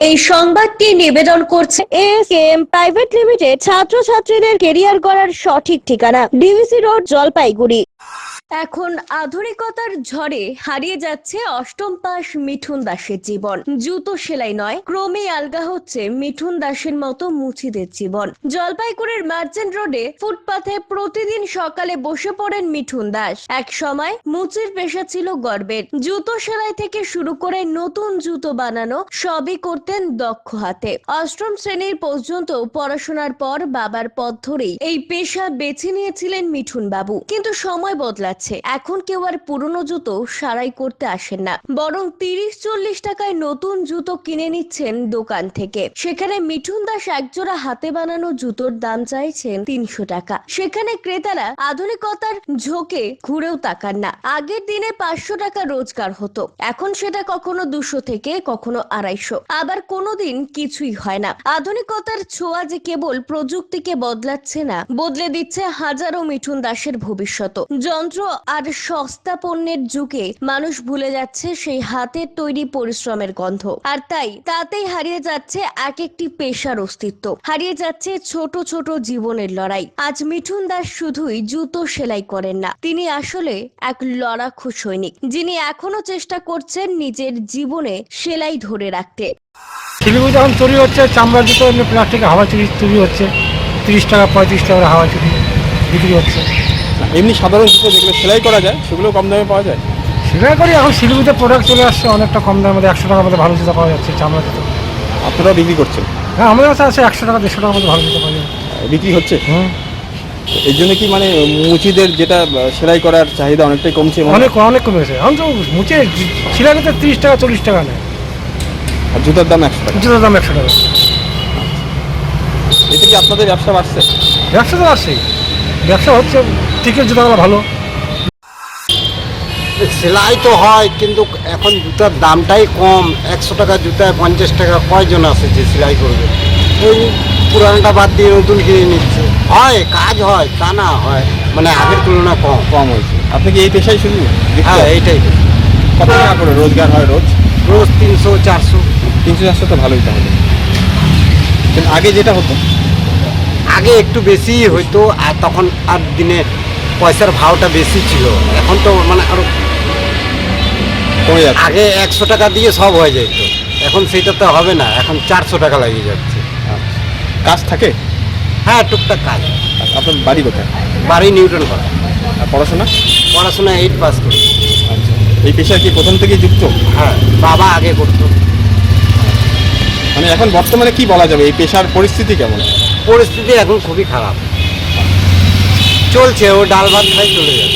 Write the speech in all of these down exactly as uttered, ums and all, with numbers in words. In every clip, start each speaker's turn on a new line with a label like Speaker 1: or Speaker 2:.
Speaker 1: এই সংবাদটি নিবেদন করছে এএসকেএম প্রাইভেট লিমিটেড, ছাত্রছাত্রীদের কেরিয়ার গড়ার সঠিক ঠিকানা, ডিভিসি রোড, জলপাইগুড়ি। এখন আধুনিকতার ঝড়ে হারিয়ে যাচ্ছে অষ্টম পাস মিঠুন দাসের জীবন। জুতো সেলাই নয়, ক্রমেই আলগা হচ্ছে মিঠুন দাসের মতো মুচিদের জীবন। জলপাইগুড়ির মার্চেন্ট রোডে ফুটপাথে প্রতিদিন সকালে বসে পড়েন মিঠুন দাস। এক সময় মুচির পেশা ছিল গর্বের। জুতো সেলাই থেকে শুরু করে নতুন জুতো বানানো সবই করতেন দক্ষ হাতে। অষ্টম শ্রেণীর পর্যন্ত পড়াশোনার পর বাবার পথ ধরেই এই পেশা বেছে নিয়েছিলেন মিঠুন বাবু। কিন্তু সময় বদলাচ্ছে। এখন কেউ আর পুরনো জুতো সারাই করতে আসেন না, বরং তিরিশ চল্লিশ টাকায় নতুন জুতো কিনে নিচ্ছেন দোকান থেকে। সেখানে মিঠুন দাস একজোড়া হাতে বানানো জুতোর দাম চাইছেন তিনশো টাকা। সেখানে ক্রেতারা আধুনিকতার ঝোঁকে ঘুরেও তাকান না। আগের দিনে পাঁচশো টাকা রোজগার হতো, এখন সেটা কখনো দুশো থেকে কখনো আড়াইশো, আবার কোনোদিন কিছুই হয় না। আধুনিকতার ছোঁয়া যে কেবল প্রযুক্তিকে বদলাচ্ছে না, বদলে দিচ্ছে হাজারো মিঠুন দাসের ভবিষ্যৎ। যন্ত্র আর সস্তা পণ্যের যুগে মানুষ ভুলে যাচ্ছে সেই হাতের তৈরি পরিশ্রমের গন্ধ, আর তাই তাতেই হারিয়ে যাচ্ছে এক একটি পেশার অস্তিত্ব, হারিয়ে যাচ্ছে ছোট ছোট জীবনের লড়াই। আজ মিঠুন দাস শুধুই জুতো সেলাই করেন না, তিনি আসলে এক লড়াকু সৈনিক, যিনি এখনো চেষ্টা করছেন নিজের জীবনে সেলাই ধরে রাখতে।
Speaker 2: শিলিগুড়ি যখন তৈরি হচ্ছে চামড়ার জুতো, এমনি প্লাস্টিকের হাওয়া চুরি তৈরি হচ্ছে, তিরিশ টাকা পঁয়ত্রিশ টাকা হাওয়া চুরি বিক্রি হচ্ছে।
Speaker 3: এমনি সাধারণ জুতো যেগুলো সেলাই করা যায় সেগুলো কম দামে পাওয়া যায়।
Speaker 2: সেলাই করি এখন শিলিগুড়িতে প্রোডাক্ট চলে আসছে অনেকটা কম দামের মধ্যে, একশো টাকার মধ্যে ভালো জুতো পাওয়া যাচ্ছে চামড়া জুতো।
Speaker 3: আপনারাও বিক্রি করছেন?
Speaker 2: হ্যাঁ, আমাদের কাছে আছে একশো টাকা দেড়শো টাকার মধ্যে ভালো জুতো পাওয়া যায়,
Speaker 3: বিক্রি হচ্ছে।
Speaker 2: হুম।
Speaker 3: এই জন্য কি মানে মুচিদের যেটা সেলাই করার চাহিদা অনেকটাই কমছে?
Speaker 2: অনেক অনেক কমে গেছে। এখন তো মুচে সেলাই করতে তিরিশ টাকা চল্লিশ টাকা নেয়,
Speaker 3: আর জুতার দাম একশো টাকা।
Speaker 2: জুতোর দাম একশো টাকা।
Speaker 3: এতে কি আপনাদের ব্যবসা বাড়ছে?
Speaker 2: ব্যবসা তো আসছেই, ব্যবসা হচ্ছে, ঠিকই, জুতোগুলো ভালো।
Speaker 4: সেলাই তো হয়, কিন্তু এখন জুতার দামটাই কম। একশো টাকা জুতায় পঞ্চাশ টাকা কয়জন আছে যে সেলাই করবে? ওই পুরানটা বাদ দিয়ে নতুন কিনে নিচ্ছে। হয়, কাজ হয়, তা না হয় মানে আগের তুলনায় কম
Speaker 3: কম হয়েছে। আপনি কি এই পেশায় শুধু?
Speaker 4: হ্যাঁ, এইটাই।
Speaker 3: কত টাকা করে রোজগার হয় রোজ?
Speaker 4: রোজ তিনশো চারশো।
Speaker 3: তিনশো চারশো তো ভালোই তাহলে। কিন্তু আগে যেটা হতো,
Speaker 4: আগে একটু বেশি হইতো, আর তখন আর দিনে পয়সার ভাওটা বেশি ছিল। এখন তো মানে আরো
Speaker 3: কমে যাচ্ছে।
Speaker 4: আগে একশো টাকা দিয়ে সব হয়ে যেত, এখন সেটা তো হবে না, এখন চারশো টাকা লাগিয়ে যাচ্ছে।
Speaker 3: কাজ থাকে?
Speaker 4: হ্যাঁ, টুকটাক কাজ।
Speaker 3: আপনার বাড়ি কোথায়?
Speaker 4: বাড়ি নিউটন করা।
Speaker 3: আর পড়াশোনা?
Speaker 4: পড়াশোনা এইট পাস করি।
Speaker 3: আচ্ছা, এই পেশায় কি প্রথম থেকেই যুক্ত?
Speaker 4: হ্যাঁ, বাবা আগে করতো।
Speaker 3: মানে এখন বর্তমানে কি বলা যাবে, এই পেশার পরিস্থিতি কেমন?
Speaker 4: পরিস্থিতি এখন খুবই খারাপ চলছে, ও ডাল ভাত খাই চলে যাবে।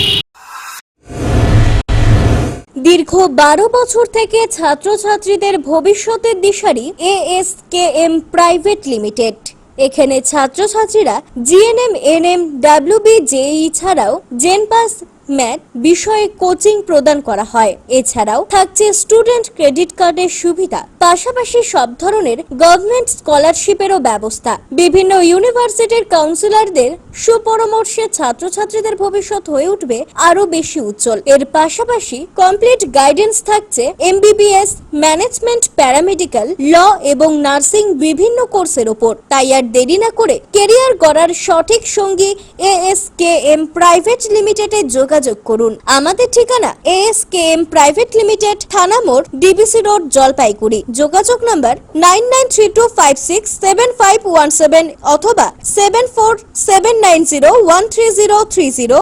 Speaker 1: দীর্ঘ বারো বছর থেকে ছাত্রছাত্রীদের ভবিষ্যতের দিশারি এএসকেএম প্রাইভেট লিমিটেড। এখানে ছাত্রছাত্রীরা জিএনএম, এনএম, ডাব্লিউবি, জেই ছাড়াও জেনপাস, ম্যাথ বিষয়ে কোচিং প্রদান করা হয়। এছাড়াও থাকছে স্টুডেন্ট ক্রেডিট কার্ডের সুবিধা, পাশাপাশি সব ধরনের গভর্নমেন্ট স্কলারশিপেরও ব্যবস্থা। বিভিন্ন ইউনিভার্সিটির কাউন্সিলরদের সুপরামর্শে ছাত্রছাত্রীদের ভবিষ্যৎ হয়ে উঠবে আরো বেশি উজ্জ্বল। এর পাশাপাশি কমপ্লিট গাইডেন্স থাকছে এমবিবিএস, ম্যানেজমেন্ট, প্যারামেডিক্যাল, ল এবং নার্সিং বিভিন্ন কোর্সের ওপর। তাই আর দেরি না করে কেরিয়ার গড়ার সঠিক সঙ্গী এএসকেএম প্রাইভেট লিমিটেডে যোগাযোগ করুন। আমাদের ঠিকানা এএসকেএম প্রাইভেট লিমিটেড, থানা মোড়, ডিবিসি রোড, জলপাইগুড়ি। যোগাযোগ number nine nine three two five six seven five one seven অথবা seven four seven nine zero one three zero three zero.